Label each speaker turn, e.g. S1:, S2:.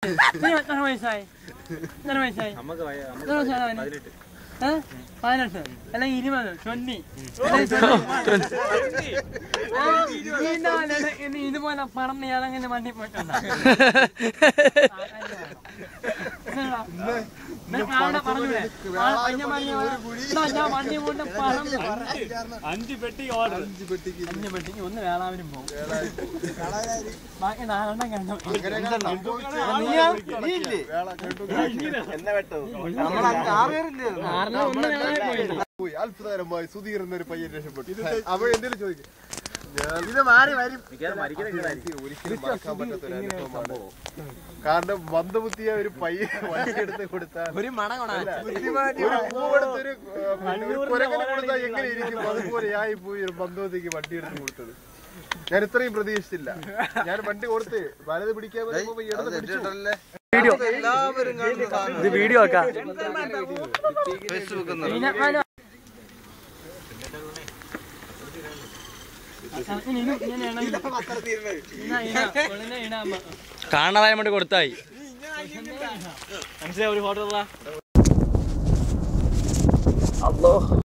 S1: വയസ്സായി വയസ്സായി 18 അല്ലെങ്കിൽ 20 ഇതുപോലെ പറഞ്ഞ് ഏതെങ്കിലും വണ്ടി പോയിട്ടുണ്ടോ? വണ്ടി കൊണ്ട് പറഞ്ഞു 5 പെട്ടിക്ക് 5 പെട്ടിക്ക് ഒന്ന് വേളാവിനും പോകും. ബാക്കി 4 കണ്ടു.
S2: അത്ഭുതകരമായി സുധീർന്ന ഒരു പയ്യൻ രക്ഷപ്പെട്ടു. അവൾ എന്തെങ്കിലും ചോദിക്കും, ഒരിക്കലും മറക്കാൻ പറ്റാത്ത ഒരു അനുഭവമാണ്. കാരണം മന്ദബുദ്ധിയ ഒരു പയ്യൻ വണ്ടിയെടുത്ത് കൊടുത്താൽ ഒരു പൂവെടുത്തൊരു കുരങ്ങനെ കൊടുത്താൽ എങ്ങനെ ഇരിക്കും, അതുപോലെയായി പോയി ഒരു മന്ദബുദ്ധിക്ക് വണ്ടിയെടുത്ത് കൊടുത്തത്. ഞാൻ ഇത്രയും പ്രതീക്ഷിച്ചില്ല. ഞാൻ വണ്ടി കൊടുത്ത് വലത് പിടിക്കാൻ
S3: വീഡിയോ ആക്കാം. കാണാതായ വേണ്ടി കൊടുത്തായി മനസ്സിലായി. ഒരു ഫോട്ടോ